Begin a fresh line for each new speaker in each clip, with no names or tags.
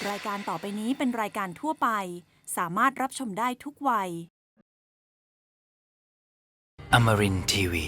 รายการต่อไปนี้เป็นรายการทั่วไปสามารถรับชมได้ทุกวัย
Amarin Tiwi.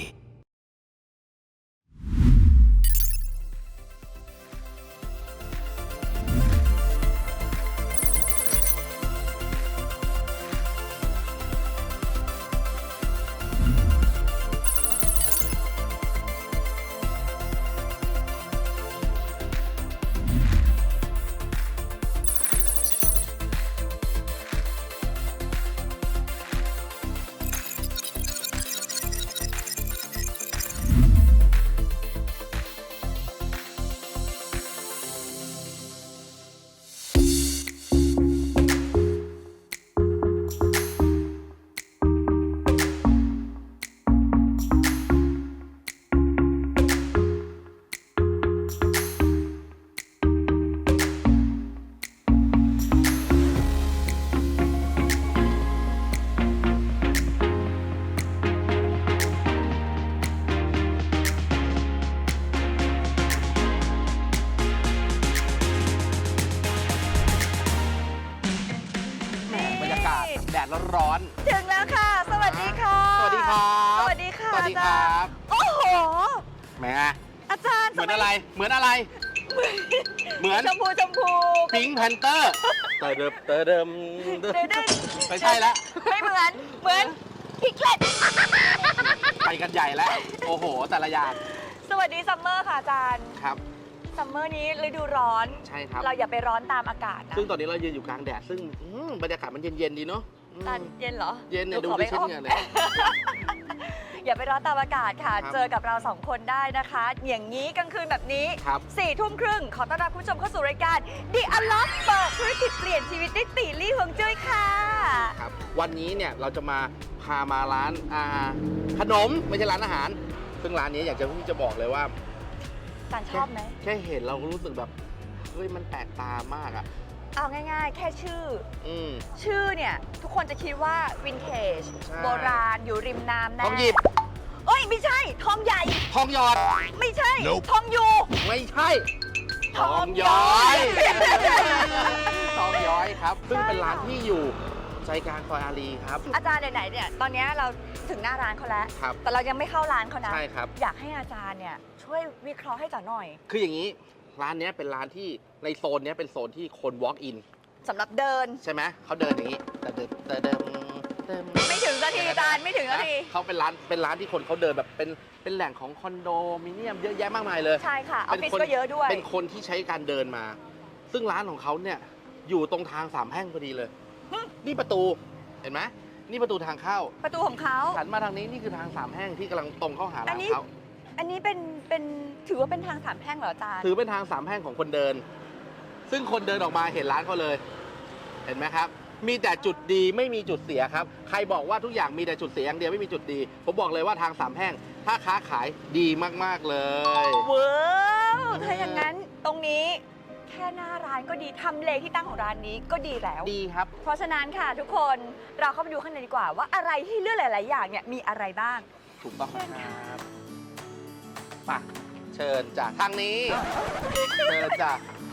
บรรยากาศแดดร้อน
ถึงแล้วค่ะ สวัสดีค่ะ
สวัสดีครับ
สวัสดีค่ะ
สวัสดีครับ
โอ้โห
แหม
อาจารย์
เหมือนอะไร เหมือนอะไร เหมือน
ชมพูชมพู
พิงค์แพนเตอร์เตอเดิม
เดิน
ไม่ใช่แล้ว
ไม่เหมือนพิกเลต
ไปกันใหญ่แล้ว โอ้โห แต่ละอย่าง
สวัสดีซัมเมอร์ค่ะอาจารย์
ครับ
ซัมเมอร์นี้ฤดูร้อน
ใช่ครับ
เราอย่าไปร้อนตามอากาศนะ
ซึ่งตอนนี้เรายืนอยู่กลางแดด ซึ่งบรรยากาศมันเย็นๆดีเนาะ
อาจารย์เย็นเหรอ
เย็นเนี่ยดู
ขอ
ดิ
ไป
เช่น
อ้อม
เงี้ยเลย
อย่าไปร้อนตามอากาศค่ะ
ครับ
เจอกับเราสองคนได้นะคะ อย่างนี้กลางคืนแบบนี้
ครับ
4 ทุ่มครึ่งขอต้อนรับคุณผู้ชมเข้าสู่รายการ The Unlock เปิดธุรกิจเปลี่ยนชีวิตด้วยตีลี่ฮวงจุ้ยค่ะ
ครับ วันนี้เนี่ยเราจะพามาร้านขนมไม่ใช่ร้านอาหาร ซึ่งร้านนี้อยากจะที่จะบอกเลยว่า
อาจารย์ชอบไหม
แค่เห็นเราก็รู้สึกแบบเฮ้ยมันแปลกตามากอ่ะ
เอาง่ายๆ แค่ชื่อ
อืม
ชื่อเนี่ย ทุกคนจะคิดว่าวินเทจ
ใช่
โบราณอยู่ริมน้ำแน่
ทองหยิบ
เอ้ย ไม่ใช่ ทองใหญ่
ทองหยอด
ไม่ใช่ ทองอยู่
ไม่ใช่
ทองย้อย
ทองย้อยครับ ซึ่งเป็นร้านที่อยู่ใจกลางซอยอารีครับ
อาจารย์ไหนๆเนี่ย ตอนนี้เราถึงหน้าร้านเขาแล้ว
ครับ
แต่เรายังไม่เข้าร้านเขานะ
ใช่ครับ
อยากให้อาจารย์เนี่ย ช่วยวิเคราะห์ให้จ๋าหน่อย
คืออย่างนี้ร้านเนี้ยเป็นร้านที่ในโซนเนี้ยเป็นโซนที่คน walk in
สำหรับเดิน
ใช่ไหมเขาเดินอย่างนี้แต่เดิน
ไม่ถึงนาทีอาจารย์ไม่ถึงนาที
เขาเป็นร้านที่คนเขาเดินแบบเป็นแหล่งของคอนโดมิเนียมเยอะแยะมากมายเลย
ใช่ค่ะ ออฟฟิศก็เยอะด้วย
เป็นคนที่ใช้การเดินมา ซึ่งร้านของเขาเนี่ยอยู่ตรงทางสามแพร่งพอดีเลย นี่ประตูเห็นไหมนี่ประตูทางเข้า
ประตูของเขา
หันมาทางนี้นี่คือทางสามแพร่งที่กำลังตรงเข้าหาร้านเขา
อันนี้เป็นถือว่าเป็นทางสามแพร่งเหรออาจารย์
ถือเป็นทางสามแพร่งของคนเดิน ซึ่งคนเดินออกมาเห็นร้านเขาเลย เห็นไหมครับ มีแต่จุดดีไม่มีจุดเสียครับ ใครบอกว่าทุกอย่างมีแต่จุดเสียอย่างเดียวไม่มีจุดดี ผมบอกเลยว่าทางสามแพร่งถ้าค้าขายดีมากๆเลย
เว้าวถ้าอย่างนั้นตรงนี้แค่หน้าร้านก็ดีทำเลที่ตั้งของร้านนี้ก็ดีแล้ว
ดีครับ
เพราะฉะนั้นค่ะทุกคนเราเข้าไปดูข้างในดีกว่าว่าอะไรที่เลือกหลาย ๆ อย่างเนี่ยมีอะไรบ้าง
ถูกต้องครับไปเชิญจ้ะทางนี้ เชิญจ้ะ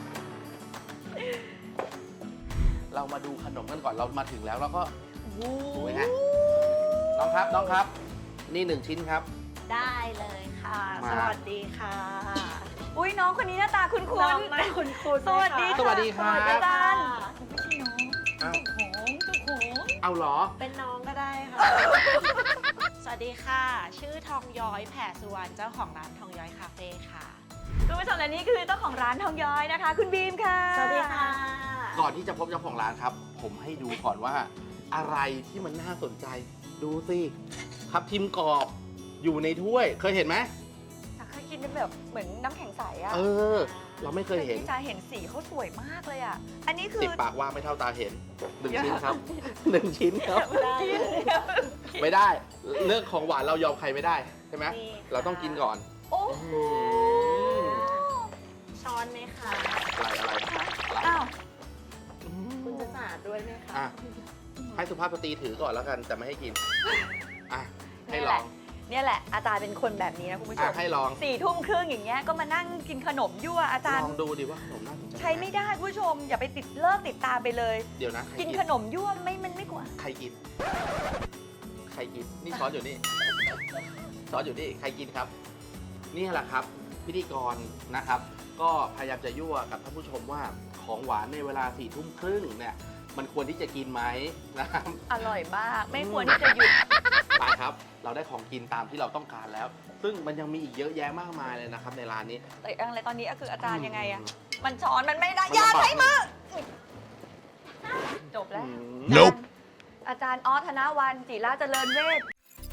เรามาดูขนมกันก่อนเรามาถึงแล้วแล้วก็สวยฮะน้องครับ นี่1 ชิ้นครับ
ได้เลยค่ะ
มา
สวัสดีค่ะ
อุ้ยน้องคนนี้หน้าตาคุ้น
น้องไม่คุณคุณ
สวัสดี
สวัสดีครับ
อาจารย์
อ้าว
เจ้าของ
เอาเหรอ
เป็นน้องก็ได้ค่ะ สวัสดีค่ะ ชื่อทองย้อยแผ่สุวรรณเจ้าของร้านทองย้อยคาเฟ่ค่ะ
คุณผู้ชมและนี่คือเจ้าของร้านทองย้อยนะคะ คุณบีมค่ะ
สวัสดีค่ะ
ก่อนที่จะพบเจ้าของร้านครับ ผมให้ดูก่อนว่า อะไรที่มันน่าสนใจ ดูสิครับทิมกรอบอยู่ในถ้วย เคยเห็นไหม
แต่เคยกินเป็นแบบเหมือนน้ำแข็งใสอะ
เออ เราไม่เคยเห็น
พี่จาเห็นสีเขาสวยมากเลยอะอันนี้คือ
สิบปากว่าไม่เท่าตาเห็น1 ชิ้นครับ 1 ชิ้นครับ
ได้
ไม่ได้เรื่องของหวานเรายอมใครไม่ได้ใช่ไหม
นี่ค่ะ
เราต้องกินก่อน
โอ้โห
ช้อนไหมคะ
อะไร
อ้าว
คุณจะสาดด้วยไหมคะ
อ่ะให้สุภาพสตรีถือก่อนแล้วกันแต่ไม่ให้กินอ่ะให้ลอง
เนี่ยแหละอาจารย์เป็นคนแบบนี้นะคุณผู้ช
อ่ะ
ม
ให้ลอง
4 ทุ่มครึ่งอย่างเงี้ยก็มานั่งกินขนมยั่วอาจาร
ล
ย์
องดูดิว่าขนมน่าสนใจ
ใช้ไม่ได้คุณผู้ชม อย่าไปเลิกติดตามไปเลย
เดี๋ยวนะใคร
กินขนมยั่วมันไม่กว่า
ใครกิน ใครกิน นี่ช้อนอยู่นี่ ช้อนอยู่นี่ ใครกินครับ นี่แหละครับ พิธีกรนะครับ ก็พยายามจะยั่วกับท่านผู้ชมว่าของหวานในเวลา4 ทุ่มครึ่งเนี่ย มันควรที่จะกินไหมนะครับ
อร่อยมาก ไม่ควรที่จะหยุด
ไปครับ เราได้ของกินตามที่เราต้องการแล้ว ซึ่งมันยังมีอีกเยอะแยะมากมายเลยนะครับในร้านนี้
แต่อะไรตอนนี้คืออาจารย์ยังไงอะมันช้อนมันไม่ได้
มัน
อย่า
ลำบาก
ใช้มือจบแล้ว
Nope
อาจารย์ออสธนวันจิราเจริญเวช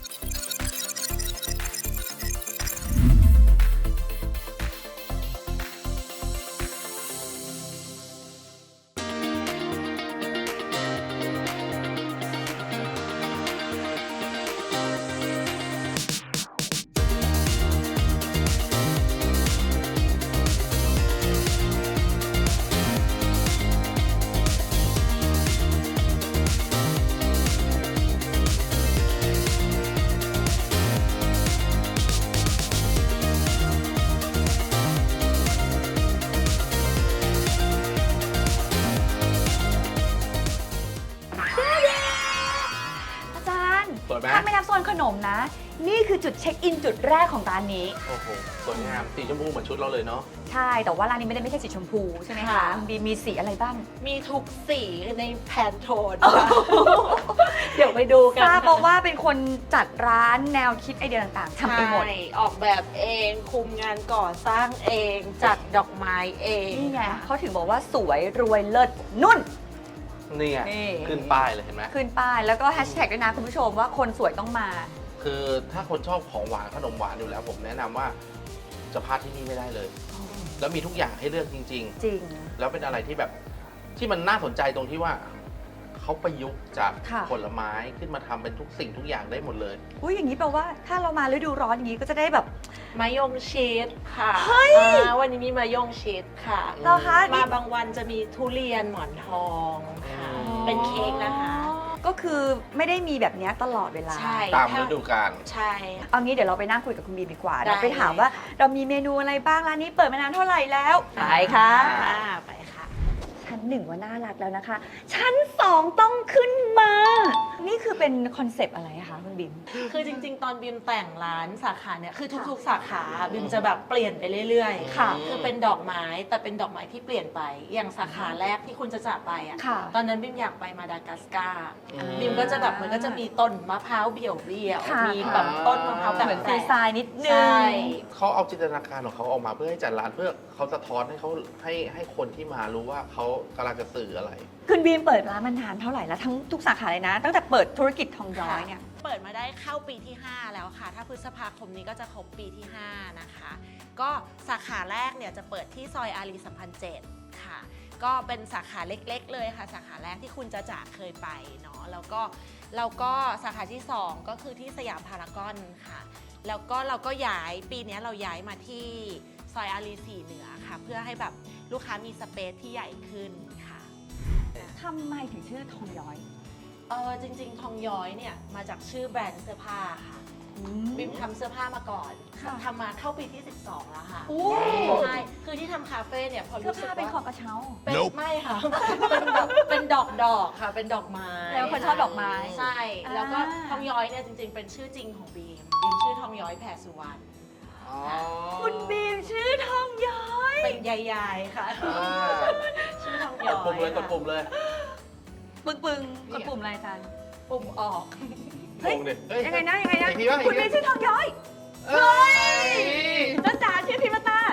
อาจารย์
สวยไหม
ถ้าไม่นับโซนขนมนะ นี่คือจุดเช็คอินจุดแรกของร้านนี้
โอ้โห สวยงาม สีชมพูเหมือนชุดเราเลยเนาะ
ใช่ แต่ว่าร้านนี้ไม่ใช่สีชมพูใช่ไหมคะ
ค่ะ
มีสีอะไรบ้าง
มีทุกสีในแพนโทนค่ะเดี๋ยวไปดูกัน
ทราบ
ค่ะ
มาว่าเป็นคนจัดร้านแนวคิดไอเดียต่างๆทำเองหมด
ใช่ออกแบบเองคุมงานก่อสร้างเอง จัดดอกไม้เอง
นี่ไงเขาถึงบอกว่าสวยรวยเลิศนุ่น
นี่ไง
นี่
ขึ้นป้ายเลยเห็นไหม
ขึ้นป้ายแล้วก็แฮชแท็กด้วยนะคุณผู้ชมว่าคนสวยต้องมา
คือถ้าคนชอบของหวานขนมหวานอยู่แล้ว ผมแนะนำว่าจะพลาดที่นี่ไม่ได้เลย แล้วมีทุกอย่างให้เลือกจริง
จริง
ๆ แล้วเป็นอะไรที่แบบที่มันน่าสนใจตรงที่ว่าเขาประยุกต์จาก
ค่ะ
ผลไม้ขึ้นมาทำเป็นทุกสิ่งทุกอย่างได้หมดเลย
อุ้ยอย่างนี้แปลว่าถ้าเรามาฤดูร้อนอย่างนี้ก็จะได้แบบ
มายงชีสค่ะวันนี้มีมายงชีสค่ะ
เหรอคะ
มาบางวันจะมีทุเรียนหมอนทองค่ะ
อ๋อ
เป็นเค้กนะคะ
ก็คือไม่ได้มีแบบนี้ตลอดเวลา
ใช่
ตามฤดูกาล
ใช่
เอางี้เดี๋ยวเราไปนั่งคุยกับคุณบีมดีกว่า
ได้
เราไปถามว่า
เลยค่ะ
เรามีเมนูอะไรบ้างร้านนี้เปิดมานานเท่าไหร่แล้วไปค่ะ
ไปค่ะ
ชั้น 1ว่าน่ารักแล้วนะคะ ชั้น 2 ต้องขึ้นมา นี่คือเป็นคอนเซปต์อะไรคะคุณบิม
คือจริงๆ ตอนบิมแต่งร้านสาขาเนี่ยคือทุกๆ สาขาบิมจะแบบเปลี่ยนไปเรื่อยๆ
ค่ะ
คือเป็นดอกไม้แต่เป็นดอกไม้ที่เปลี่ยนไป อย่างสาขาแรกที่คุณจะจากไปอ่ะ
ค่ะ
ตอนนั้นบิมอยากไปมาดากัสการ์
อืม
บิมก็จะแบบมันก็จะมีต้นมะพร้าวเบี่ยว
ค่ะ
ๆมีแบบต้นมะพร้าวแบบ
เหมือน
แป
ฟ
ล
รี
ก
ไซน์นิดนึ
ใช่
ง
เขาเอาจินตนาการของเขาออกมาเพื่อให้จัดร้านเพื่อเขาสะท้อนให้เขาให้คนที่มารู้ว่าเขากำลังจะสื่ออะไร
คุณบีมเปิดร้านมานานเท่าไหร่แล้วทั้งทุกสาขาเลยนะ ตั้งแต่เปิดธุรกิจทองย้อยเนี่ย
เปิดมาได้เข้าปีที่ 5 แล้วค่ะ ถ้าพฤษภาคมนี้ก็จะครบปีที่ 5 นะคะ ก็สาขาแรกเนี่ยจะเปิดที่ซอยอารีสัมพันธ์7ค่ะ ก็เป็นสาขาเล็กๆเลยค่ะ สาขาแรกที่คุณจะจากเคยไปเนาะ แล้วก็สาขาที่ 2 ก็คือที่สยามพารากอนค่ะ แล้วก็เราก็ย้ายปีนี้เราย้ายมาที่ซอยอารี4เหนือค่ะ เพื่อให้แบบลูกค้ามีสเปซที่ใหญ่ขึ้นค่ะ
ทำไมถึงชื่อทองย้อย
จริงๆ ทองย้อยเนี่ยมาจากชื่อแบรนด์เสื้อผ้าค่ะ บิมทำเสื้อผ้ามาก่อน
ค่ะ
ทำมาเข้าปีที่ 12 แล้วค่ะ
โอ้
ใช่ คือที่ทำคาเฟ่เนี่ยพอ
เสื้อ
รู้สึก
ผ้า
ว่า
เป็นของกระเช้า
เป็น
Nope
ไม่ค่ะ เป็นแบบเป็นดอกค่ะ เป็นดอกไม้
แล้วคนชอบดอกไม้
ใช่
อ่า
แล้วก็ทองย้อยเนี่ยจริงๆ เป็นชื่อจริงของบีม บีมชื่อทองย้อยแผ่สุวรรณ
คุณบีมชื่อทองย้อย
เป็นยายๆค่ะ ชื่อทอง
ก
ย้
ด
อย
ปุ่มเลยกดปุ่มเลย
ปึ้งๆกดปุ่มอะไรอาจารย์
ปุ่มออก
เฮ้ย
ปุ่มดิเฮ้ย
ยังไงนะ
อีกทีวะ
คุณบีมชื่อทองย้อย
เฮ้ย
จ้าจ๋าชื่อพิมพ์ตา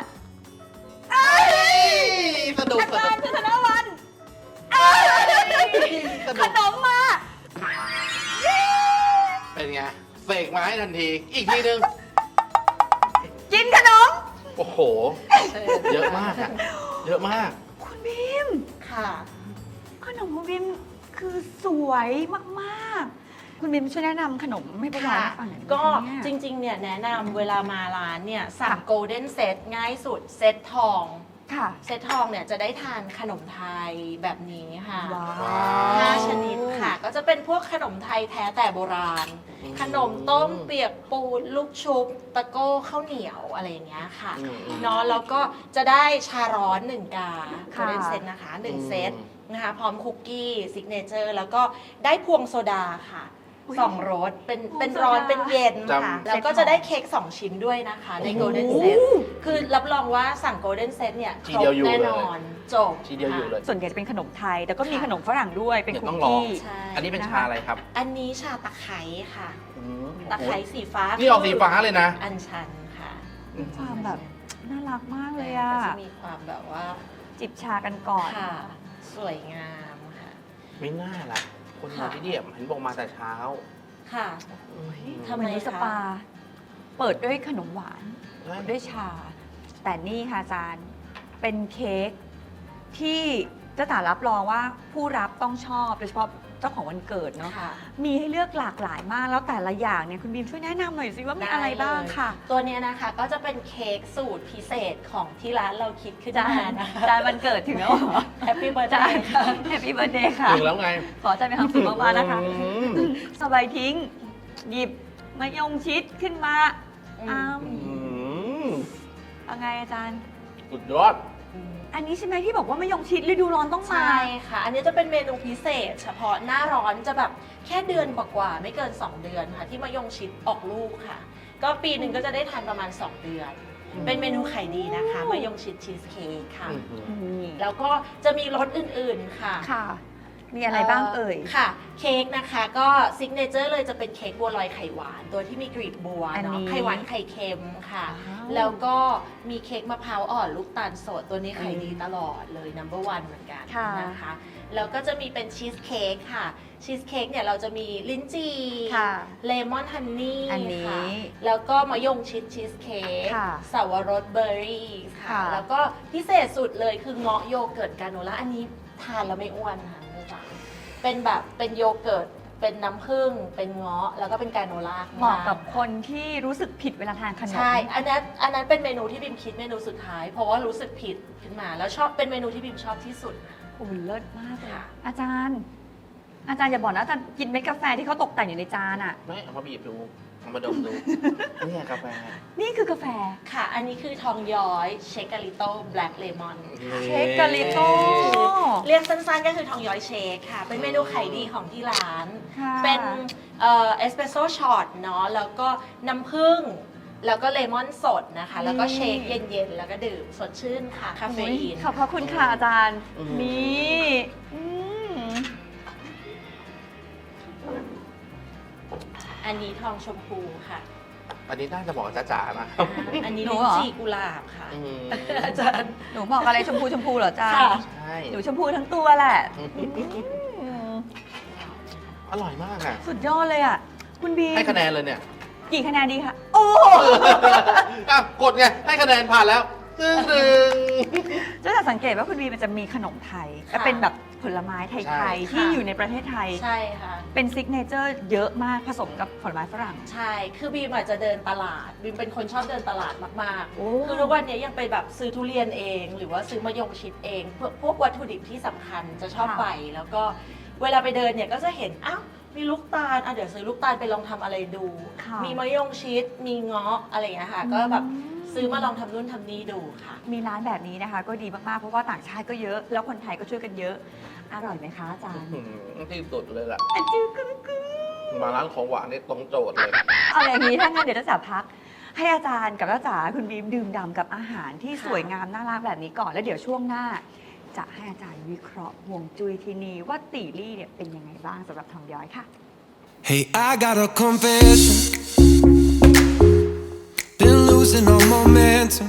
สนุก
อาจารย์ชื่อธนวัน
ส
ข
นุก
นมมา
เป็นไงเสกมาให้ทันที อีกทีนึง
กินขนม
โอ้โห เยอะมากอะเยอะมาก
คุณบีม
ค่ะ
ขนมคุณบีมคือสวยมากๆ คุณบีมช่วยแนะนำขนมให้พวกเรา
ค่ะ
ฟังหน่อยได้ไหม
ก็
เนี่ย
จริงๆ เนี่ยแนะนำเวลามาร้านเนี่ยสั่ง
ค่ะ
โกลเด้นเซตง่ายสุดเซตทอง
ค่ะ
เซตทองเนี่ยจะได้ทานขนมไทยแบบนี้ค่ะ
ว้า
ว้าว
5 ชนิดค่ะ ก็จะเป็นพวกขนมไทยแท้แต่โบราณ ขนมต้มเปียกปูนลูกชุบ ตะโก้ข้าวเหนียวอะไรอย่างเงี้ยค่ะ
อืม
เนาะแล้วก็จะได้ชาร้อน 1 กา
ค่ะ
เป็นเซตนะคะ 1 เซตนะคะพร้อมคุกกี้ซิกเนเจอร์แล้วก็ได้พวงโซดาค่ะ 2 รสเป็นร้อนเป็นเย็นค่ะ
จำ
แล้วก็จะได้เค้ก2 ชิ้นด้วยนะคะ ใน Golden Set คือรับรองว่าสั่ง Golden Set เนี่ยค
ที
ร
เดีย
บ
วอยู่
แน่
เลย
นอนจบ
ทีเดียวอยู่เลย
ส่วนใหญ่จะเป็นขนมไทย แต่ก็มี
ค่ะ
ขนมฝรั่งด้วย เป็น
เดี๋ยว
คุ
ต้
ก
องลอง
กี้
ใช่
อันนี้เป็น
นะคะ
ชาอะไรครับ
อันนี้ชาตะไคร้ค่ะ
อืม
ตะไคร้สีฟ้า
นี่ออกสีฟ้าเลยนะ
อัญชันค่ะ
ความแบบน่ารักมากเลย
ก็
อ่ะ
จะมีความแบบว่า
จิบชากันก่อน
ค่ะ สวยงามค่ะ
ไม่น่าล่ะ คนมา
ค่ะ
ที่เนี่ยเห็นบอกมาแต่เช้า
ค่ะ ทำไม
เหมือนในส
คะ
ปา เปิดด้วยขนมหวาน
ใช่
ด้วยชา แต่นี่ค่ะอาจารย์ เป็นเค้กที่เจ้าตารับรองว่าผู้รับต้องชอบ โดยเฉพาะเจ้าของวันเกิดเนาะ
ค่ะ
มีให้เลือกหลากหลายมาก แล้วแต่ละอย่างเนี่ยคุณบีมช่วยแนะนำหน่อยสิว่ามีอะไรบ้างค่ะ
ตัวเนี้ยนะคะก็จะเป็นเค้กสูตรพิเศษของที่ร้านเราคิดขึ้น
จาม
าน นะคะ
จานวันเกิดถึงแล้วเหรอ
แฮปปี้เบิร์ด
จา
เด
น
ย์ค่ะ
แฮปปี้เบิร์ดเดย์ค่ะ
ถึงแล้วไง
ขออาจารย์มีความสุขมากๆนะคะ
อืม
สบายทิ้ง หยิบมะยงชิดขึ้นมา อ้าม
อืม
เอาไงอาจารย์
สุดยอด
อันนี้ใช่ไหมที่บอกว่ามะยงชิดฤดูร้อนต้องมา
ใช่ค่ะ อันนี้จะเป็นเมนูพิเศษ เฉพาะหน้าร้อนจะแบบแค่เดือนกว่าๆไม่เกิน 2 เดือนค่ะ ที่มะยงชิดออกลูกค่ะ ก็ปีหนึ่งก็จะได้ทานประมาณ 2 เดือน เป็นเมนูขายดีนะคะมะยงชิดชีสเค้กค่ะ
นี่
แล้วก็จะมีรสอื่นๆค่ะ
ค่ะ มีอะไรบ้างเอ่ย
ค่ะ เค้กนะคะก็ซิกเนเจอร์เลยจะเป็นเค้กบัวลอยไข่หวาน ตัวที่มีกลีบบัว
อันนี้
เนาะไข่หวานไข่เค็มค่ะ
ว้าว
แล้วก็มีเค้กมะพร้าวอ่อนลูกตาลสดตัวนี้ขายดีตลอดเลย number one เหมือนกัน
ค่ะ
นะคะ แล้วก็จะมีเป็นชีสเค้กค่ะ ชีสเค้กเนี่ยเราจะมีลิ้นจี่
ค่ะ
เลมอนฮันนี่
อันนี้
ค่ะ แล้วก็มะยงชิดชีสเค้ก
ค่ะ
สาวรสเบอร์รี่ค่ะ
ค่ะ
แล้วก็พิเศษสุดเลยคือเงาะโยเกิร์ตกราโนล่าอันนี้ทานแล้วไม่อ้วนค่ะไม่จ้ะเป็นแบบเป็นโยเกิร์ต เป็นน้ำผึ้ง เป็นเงาะ แล้วก็เป็นกราโนล่า
เหมาะกับคนที่รู้สึกผิดเวลาทานขนม
ใช่ อันนั้นเป็นเมนูที่บิมคิดเมนูสุดท้าย เพราะว่ารู้สึกผิดขึ้นมา แล้วชอบเป็นเมนูที่บิมชอบที่สุด
โอ้ยเลิศมากเลย
ค่ะ
อาจารย์ อย่าบอกนะอาจารย์กินเม็ดกาแฟที่เขาตกแต่งอยู่ในจานอ่ะ
ไม่เอามาบีบดู เอามาดมดู เนี่ยกาแฟ
นี่คือกาแฟ
ค่ะ อันนี้คือทองย้อยเชคกาลิโต้แบล็กเลมอน
เค้กกาลิโต้
เรียกสั้นๆก็คือทองย้อยเชคค่ะ เป็นเมนูขายดีของที่ร้าน
ค่ะ
เป็นเอสเปรสโซ่ช็อตเนาะ แล้วก็น้ำผึ้ง แล้วก็เลมอนสดนะคะ แล้วก็เชคเย็นๆ แล้วก็ดื่มสดชื่นค่ะ คาเฟอีน
ขอบพระคุณค่ะอาจารย์
อืม
นี่อืม
อันนี้ทองชมพูค่ะ
อันนี้น่าจะบอกจ๋าๆนะ
อันนี้
หนู
ลิ้
เหร
น
อ
จี่กุหลาบค่ะ
อืม
อาจารย์
หนูบอกอะไรชมพูเหรออาจารย์
ค่ะ
ใช่
หนูชมพูทั้งตัวแหละอืม
อร่อยมากอ่ะ
สุดยอดเลยอ่ะ คุณบีม
ให้คะแนนเลยเนี่ย
กี่คะแนนดีคะโอ้
อ่ะกดไง ให้คะแนนผ่านแล้วตึ้งตึง
เจ้าจะสังเกตว่าคุณบีมันจะมีขนมไทย
ค่ะ
และเป็นแบบผลไม้ไท
ใช่
ยๆที่
ค่ะ
อยู่ในประเทศไทย
ใช่ค่ะ
เป็นซิกเนเจอร์เยอะมากผสมกับผลไม้ฝรั่ง
ใช่ คือบีมอาจจะเดินตลาด บีมเป็นคนชอบเดินตลาดมาก
โอ้
ๆ คือทุกวันนี้ยังไปแบบซื้อทุเรียนเอง หรือว่าซื้อมะยงชิดเองพวกวัตถุดิบที่สำคัญจะชอบไป แล้วก็เวลาไปเดินเนี่ยก็จะเห็น อ้าว มีลูกตาลเดี๋ยวซื้อลูกตาลไปลองทำอะไรดู
ค่ะ
มีมะยงชิด มีเงาะอะไรอย่างเงี้ยค่ะ ก็แบบซื้อมาลองทำนู่นทำนี่ดูค่ะ
มีร้านแบบนี้นะคะ ก็ดีมากๆ เพราะว่าต่างชาติก็เยอะ แล้วคนไทยก็ช่วยกันเยอะ อร่อยไหมคะอาจารย์
ที่สุดเลยล่ะ
อะจื้อกึ๊กึ๊ก
มาร้านของหวานนี่ตรงโจทย์เลย
เอาอย่างนี้ถ้างั้นเดี๋ยวจะพัก ให้อาจารย์กับจ้าจ๋าคุณบีมดื่มด่ำกับอาหารที่
ค่ะ
สวยงามน่ารักแบบนี้ก่อน แล้วเดี๋ยวช่วงหน้า จะให้อาจารย์วิเคราะห์ห่วงจุ้ยที่นี่ว่าตีลี่เนี่ยเป็นยังไงบ้างสำหรับทองย้อยค่ะ
Hey, I got a confession. Been losing all momentum.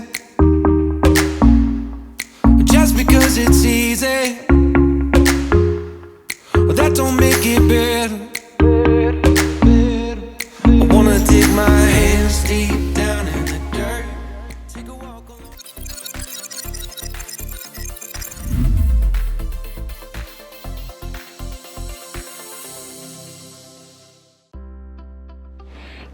Just because it's easy, well, that don't make it better. I wanna dig my hands deep down in the dirt. Take a walk along.
ก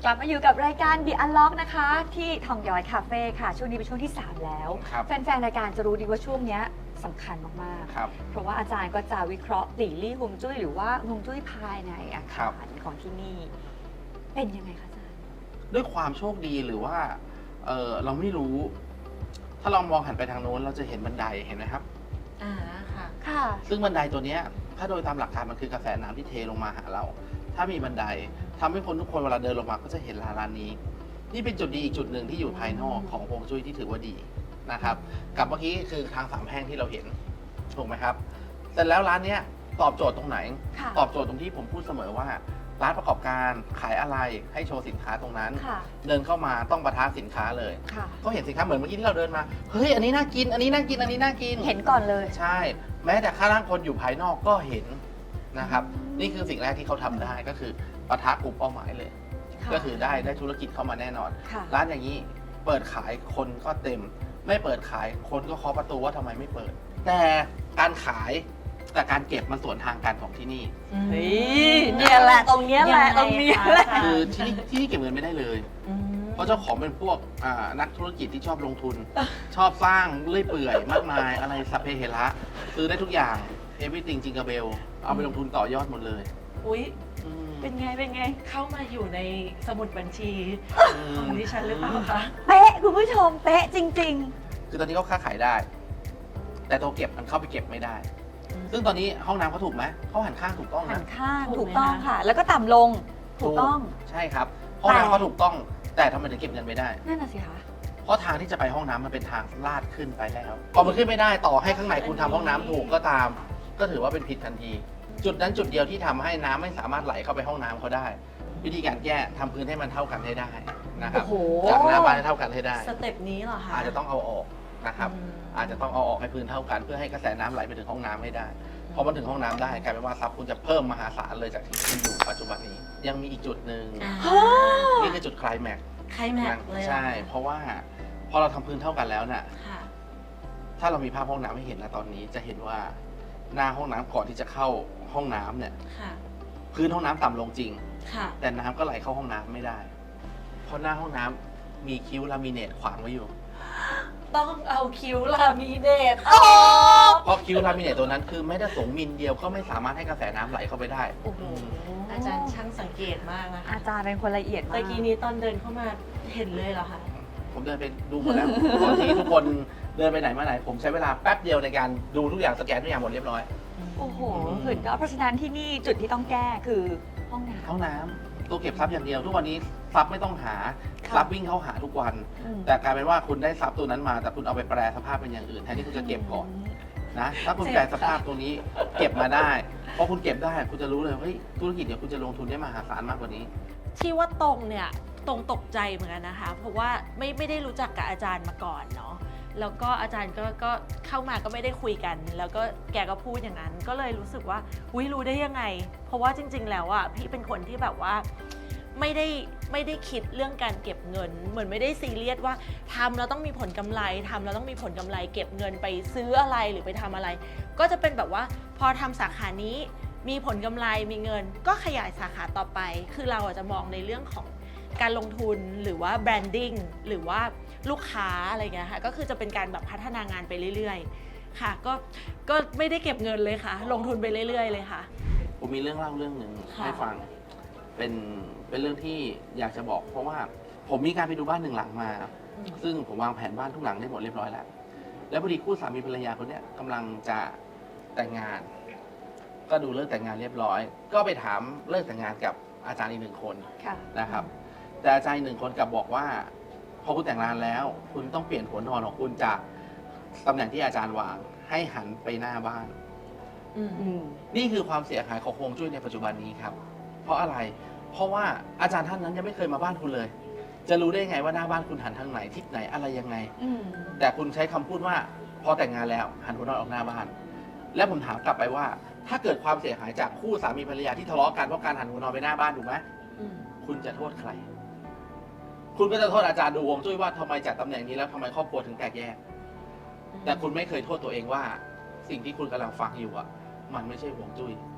กลับมาอยู่กับรายการ The Unlock นะคะ ที่ทองย้อยคาเฟ่ค่ะ ช่วงนี้เป็นช่วงที่ 3 แล้ว
ครับ
แฟนๆ รายการจะรู้ดีว่าช่วงเนี้ยสำคัญมาก
ครับ
ๆ เพราะว่าอาจารย์ก็จะวิเคราะห์หลี่ลี่ฮวงจุ้ยหรือว่าฮวงจุ้ยภายในอา
ครั
คา
บ
รของที่นี่ เป็นยังไงคะอาจารย์
ด้วยความโชคดีหรือว่าเราไม่รู้ ถ้าเรามองหันไปทางโน้นเราจะเห็นบันไดเห็นไหมครับ
ค่ะ
ค่ะ
ซึ่งบันไดตัวเนี้ยถ้าโดยตามหลักการมันคือกระแสน้ำที่เทลงมาหาเรา ถ้ามีบันไดทำให้คนทุกคนเวลาเดินลงมาก็จะเห็นร้านนี้ นี่เป็นจุดดีอีกจุดหนึ่งที่อยู่ภายนอกของฮวงจุ้ยที่ถือว่าดีนะครับ กับเมื่อกี้คือทางสามแพร่งที่เราเห็นถูกไหมครับแต่แล้วร้านเนี้ยตอบโจทย์ตรงไหน
ค่ะ
ตอบโจทย์ตรงที่ผมพูดเสมอว่า ร้านประกอบการขายอะไรให้โชว์สินค้าตรงนั้น
ค่ะ
เดินเข้ามาต้องประทะสินค้าเลย
ค่ะ
ก็เห็นสินค้าเหมือนเมื่อกี้ที่เราเดินมา เฮ้ย อันนี้น่ากิน อันนี้น่ากิน อันนี้น่ากิน
เห็นก่อนเลย
ใช่ แม้แต่ข้างล่างคนอยู่ภายนอกก็เห็นนะครับ นี่คือสิ่งแรกที่เขาทำได้ก็คือประทะกลุ่มเป้าหมายเลย
ค่ะ
ก็คือได้ธุรกิจเข้ามาแน่นอน
ค่ะ
ร้านอย่างนี้เปิดขายคนก็เต็ม ไม่เปิดขายคนก็เคาะประตูว่าทำไมไม่เปิด แต่การขายแต่การเก็บมันสวนทางกันของที่นี่
เฮ้ยเนี่ยแหละตรงเนี้ยแหละ
ยังไง
ตรงเนี้ยแหละ
คะ
คือที่นี่เก็บเงินไม่ได้เลย เพราะเจ้าของเป็นพวกนักธุรกิจที่ชอบลงทุน ชอบสร้างเรื่อยเปื่อยมากมายอะไรสัพเพเหระซื้อได้ทุกอย่าง everything จิงกาเบลเอาไปลงทุนต่อยอดหมดเลย
อุ๊ย
อืม
เป็นไง เป็นไง
เข้ามาอยู่ในสมุดบัญชี
อื
ของ
ม
ดิฉันหรือเปล่าคะ
เป๊ะคุณผู้ชม เป๊ะจริง
คือตอนนี้เขาค้าขายได้ แต่ตัวเก็บมันเข้าไปเก็บไม่ได้ ซึ่งตอนนี้ห้องน้ำเขาถูกไหมเขาหันข้างถูกต้อง
ๆ หั
นะ
นข้าง
ถู
ถู
ก
ก
ไหม
ต้อง
คะ
ค่ะ แล้วก็ต่ำลง ถูกต้อง
ใช่ครับ ห้องน้ำเขาถูกต้อง แต่ทำไมถึงเก็บเงินไม่ได้
นั่นน่ะสิคะ
เพราะทางที่จะไปห้องน้ำมันเป็นทางลาดขึ้นไปแล้วพอมันขึ้นไม่ได้ต่อให้ข้างในคุณทำห้องน้ำถูกก็ตาม ก็ถือว่าเป็นผิดทันที จุดนั้นจุดเดียวที่ทำให้น้ำไม่สามารถไหลเข้าไปห้องน้ำเขาได้ วิธีการแก้ทำพื้นให้มันเท่ากันให้ได้นะครับ
โอ้โห
จากหน้าบ้านให้เท่ากันให้ได้
สเต็ปนี้เหรอคะ
อาจจะต้องเอาออกนะครับ
อืม
อาจจะต้องเอาออกให้พื้นเท่ากัน เพื่อให้กระแสน้ำไหลไปถึงห้องน้ำให้ได้พอมันถึงห้องน้ำได้กลายเป็นว่าทรัพย์คุณจะเพิ่มมหาศาลเลยจากที่คุณอยู่ปัจจุบันนี้ ยังมีอีกจุดหนึ่ง นี่คือจุดไคลแม็กซ์
ใครแม็กซ์เลยเหรอ
ใช่ เพราะว่าพอเราทำพื้นเท่ากันแล้วน่ะ
ค่ะ
ถ้าเรามีภาพห้องน้ำให้เห็นนะตอนนี้จะเห็นว่าหน้าห้องน้ำก่อนที่จะเข้าห้องน้ำเนี่ย
ค่ะ
พื้นห้องน้ำต่ำลงจริง
ค่ะ
แต่น้ำก็ไหลเข้าห้องน้ำไม่ได้ เพราะหน้าห้องน้ำมีคิ้วลามิเนตขวางไว้อยู่
ต้องเอาคิ้วลามิเนต
เพราะคิ้วลามิเนตตัวนั้นคือไม่ได้สูงมิลเดียวก็ไม่สามารถให้กระแสน้ำไหลเข้าไปได้
โอ้โห อาจารย์ช่างสังเกตมากนะคะ
อาจารย์เป็นคนละเอียดมาก
ตะกี้นี้ตอนเดินเข้ามาเห็นเลยเหรอคะ
ผมเดินไปดูหมดแล้วตอนที่ทุกคนเดินไปไหนมาไหน ผมใช้เวลาแป๊บเดียวในการดูทุกอย่างสแกนทุกอย่างหมดเรียบร้อย
โอ้โหสุดยอดเพราะฉะนั้นที่นี่จุดที่ต้องแก้คือห้องน้
ห้องน้ำตัวเก็บทรัพย์อย่างเดียว ทุกวันนี้ทรัพย์ไม่ต้องหา
ค่ะ
ทรัพย์วิ่งเข้าหาทุกวัน
ำอืม
แต่กลายเป็นว่าคุณได้ทรัพย์ตัวนั้นมา แต่คุณเอาไปแปลสภาพเป็นอย่างอื่นแทนที่คุณจะเก็บก่อนนะถ้าคุณแปลสภาพตรงนี้เก็บมาได้พอคุณเก็บได้คุณจะรู้เลยเฮ้ยธุรกิจเดี๋ยวคุณจะลงทุนได้มหาศาลมากกว่านี้
ที่ว่าตรงเนี่ยตรงตกใจเหมือนกันนะคะ เพราะว่าไม่ได้รู้จักกับอาจารย์มาก่อนเนาะแล้วก็อาจารย์ก็เข้ามาก็ไม่ได้คุยกัน แล้วก็แกก็พูดอย่างนั้น ก็เลยรู้สึกว่าอุ๊ยรู้ได้ยังไง เพราะว่าจริง ๆ แล้วอ่ะพี่เป็นคนที่แบบว่าไม่ได้คิดเรื่องการเก็บเงิน เหมือนไม่ได้ซีเรียสว่าทำแล้วต้องมีผลกำไรทำแล้วต้องมีผลกำไร เก็บเงินไปซื้ออะไรหรือไปทำอะไร ก็จะเป็นแบบว่าพอทำสาขานี้มีผลกำไรมีเงิน ก็ขยายสาขาต่อไป คือเราอาจจะมองในเรื่องของการลงทุนหรือว่าแบรนดิ้งหรือว่าลูกค้าอะไรเงี้ยค่ะก็คือจะเป็นการแบบพัฒนางานไปเรื่อยๆค่ะก็ไม่ได้เก็บเงินเลยค่ะ ลงทุนไปเรื่อยๆเลยค่ะ
ผมมีเรื่องเล่าเรื่องหนึ่ง
ค่ะ
ให้ฟังเป็นเรื่องที่อยากจะบอก เพราะว่าผมมีการไปดูบ้านหนึ่งหลังมา ซึ่งผมวางแผนบ้านทุกหลังได้หมดเรียบร้อยแล้ว แล้วพอดีคู่สามีภรรยาคนเนี้ยกำลังจะแต่งงาน ก็ดูเลิกแต่งงานเรียบร้อย ก็ไปถามเลิกแต่งงานกับอาจารย์อีกหนึ่งคน
ค่ะ
นะครับ แต่อาจารย์อีกหนึ่งคนกลับบอกว่า พอคุณแต่งงานแล้ว คุณต้องเปลี่ยนหัวนอนของคุณจากตำแหน่งที่อาจารย์วางให้หันไปหน้าบ้าน
อืม
อืม
นี่คือความเสียหายของฮวงจุ้ยในปัจจุบันนี้ครับ เพราะอะไร เพราะว่าอาจารย์ท่านนั้นยังไม่เคยมาบ้านคุณเลย จะรู้ได้ไงว่าหน้าบ้านคุณหันทางไหนทิศไหนอะไรยังไง
อืม
แต่คุณใช้คำพูดว่าพอแต่งงานแล้วหันหัวนอนออกหน้าบ้าน แล้วผมถามกลับไปว่า ถ้าเกิดความเสียหายจากคู่สามีภรรยาที่ทะเลาะกันเพราะการหันหัวนอนไปหน้าบ้านถูกไหม
อืม
คุณจะโทษใคร คุณก็จะโทษอาจารย์ดูฮวงจุ้ยว่าทำไมจากตำแหน่งนี้แล้วทำไมครอบครัวถึงแตกแยก แต่คุณไม่เคยโทษตัวเองว่า สิ่งที่คุณกำลังฟังอยู่อ่ะ มันไม่ใช่ฮวงจุ้ย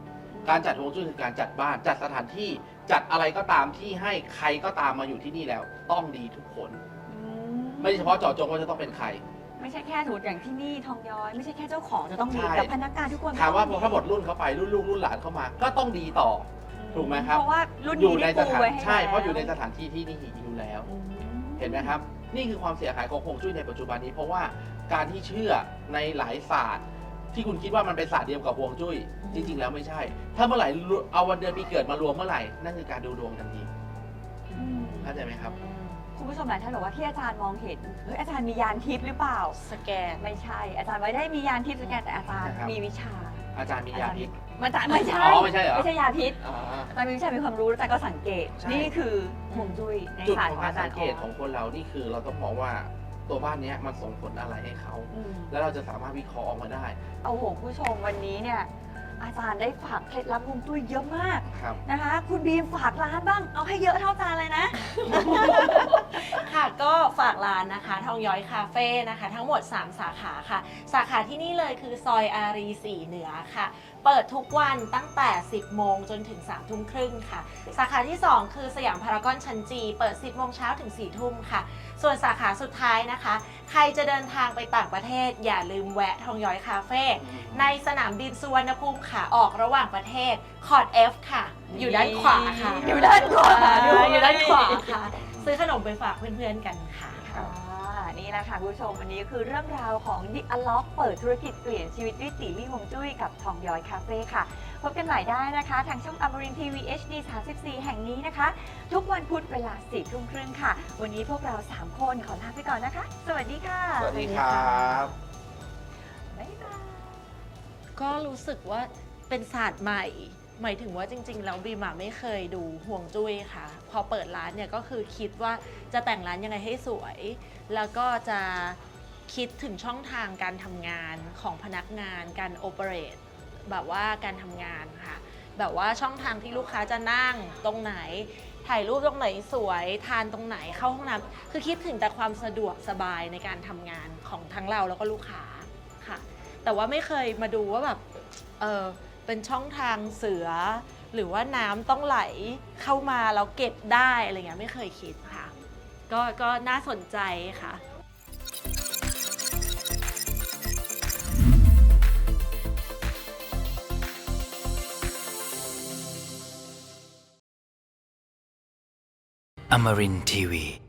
การจัดฮวงจุ้ยคือการจัดบ้านจัดสถานที่จัดอะไรก็ตามที่ให้ใครก็ตามมาอยู่ที่นี่แล้วต้องดีทุกคน ไม่เฉพาะเจาะจงว่าจะต้องเป็นใคร
ไม่ใช่แค่ถูกอย่างที่นี่ทองย้อย ไม่ใช่แค่เจ้าของจะต้องดี
ใช่
แต่พนักงานทุกคน
ถามว่าพ
ต้
อ
อง
ถ้าหมดรุ่นเขาไปรุ่นลูกรุ่นหลานเข้ามา ก็ต้องดีต่อ ถูกไหมครับ
เพราะว่ารุ่น
อยู่
นี้
ใน
ได้
ส
ปู
ถาน
ไว้ให้
ใช่เพราะอยู่ใน
แล้ว
สถานที่ที่นี่อยู่แล้ว
อืม
เห็นไหมครับ นี่คือความเสียหายของฮวงจุ้ยในปัจจุบันนี้ เพราะว่าการที่เชื่อในหลายศาสตร์ ที่คุณคิดว่ามันเป็นศาสตร์เดียวกับฮวงจุ้ยจริง ๆ แล้วไม่ใช่ ถ้าเมื่อไหร่เอาวันเดือนปีเกิดมารวมเมื่อไหร่นั่นคือการดูดวงทันที
อืม
เข้าใจไหมครับ
คุณผู้ชมหลายท่านบอกว่าที่อาจารย์มองเห็นเฮ้ยอาจารย์มียานทิพย์หรือเปล่า
สแกน
ไม่ใช่ อาจารย์ไม่ได้มียานทิพย์สแกนแต่อาจารย์
นะครับ
มีวิชา
อาจารย์มียาพิษ
มันจะไม่ใช่
อ๋อไม่ใช่เหรอ
ไม่ใช่ยาพิษ
อ่า
อาจารย์มีวิชามีความรู้อาจารย์ก็สังเกต
ใช่
นี่คือฮวงจุ้ยใน
จุด
ศาสต
ข
ร์
อง
ของ
การ
อาจาร
สัง
ย์
เกตของคนเรานี่คือเราต้องมองว่าตัวบ้านเนี้ยมันส่งผลอะไรให้เขา
อืม
แล้วเราจะสามารถวิเคราะห์ออกมาได้
เอาโหคุณผู้ชมวันนี้เนี่ยอาจารย์ได้ฝากเคล็ดลับฮวงจุ้ยเยอะมาก
ครับ
นะคะ คุณบีมฝากร้านบ้างเอาให้เยอะเท่าอาจารย์เลยนะ
ค่ะก็ฝากร้านนะคะทองย้อยคาเฟ่นะคะทั้งหมด 3 สาขาค่ะ สาขาที่นี่เลยคือซอยอารี4เหนือค่ะ เปิดทุกวันตั้งแต่ 10 โมงจนถึง 3 ทุ่มครึ่งค่ะ สาขาที่ 2 คือสยามพารากอนชั้นจีเปิด 10 โมงเช้าถึง 4 ทุ่มค่ะ ส่วนสาขาสุดท้ายนะคะ ใครจะเดินทางไปต่างประเทศ อย่าลืมแวะทองย้อยคาเฟ่ในสนามบินสุวรรณภูมิขาออกระหว่างประเทศคอร์ด F ค่ะ อยู่ด้านขวาค่ะ
อยู่ด้านขวาด้วย
อยู่ด้านขวาค่ะ ซื้อขนมไปฝากเพื่อนๆกันค่ะ
นี่แหละค่ะคุณผู้ชมวันนี้คือเรื่องราวของ The Unlock เปิดธุรกิจเปลี่ยนชีวิตด้วยตีลี่ฮวงจุ้ยกับทองย้อยคาเฟ่ค่ะ พบกันใหม่ได้นะคะ ทางช่องอมรินทีวี HD 34 แห่งนี้นะคะ ทุกวันพุธเวลา 4 ทุ่มครึ่งค่ะ วันนี้พวกเรา 3 คนขอลาไปก่อนนะคะ สวัสดีค่ะ
สวัสดีครับ
บ๊ายบาย
ก็รู้สึกว่าเป็นศาสตร์ใหม่ หมายถึงว่าจริงๆแล้วบีมไม่เคยดูห่วงจุ้ยค่ะ พอเปิดร้านเนี่ยก็คือคิดว่าจะแต่งร้านยังไงให้สวย แล้วก็จะคิดถึงช่องทางการทำงานของพนักงานการโอเปเรตแบบว่าการทำงานค่ะ แบบว่าช่องทางที่ลูกค้าจะนั่งตรงไหน ถ่ายรูปตรงไหนสวยทานตรงไหนเข้าห้องน้ำคือคิดถึงแต่ความสะดวกสบายในการทำงานของทั้งเราแล้วก็ลูกค้าค่ะ แต่ว่าไม่เคยมาดูว่าแบบเป็นช่องทางเสือ หรือว่าน้ำต้องไหลเข้ามาแล้วเก็บได้อะไรเงี้ยไม่เคยคิดค่ะ ก็น่าสนใจค่ะ
Amarin Tiwi.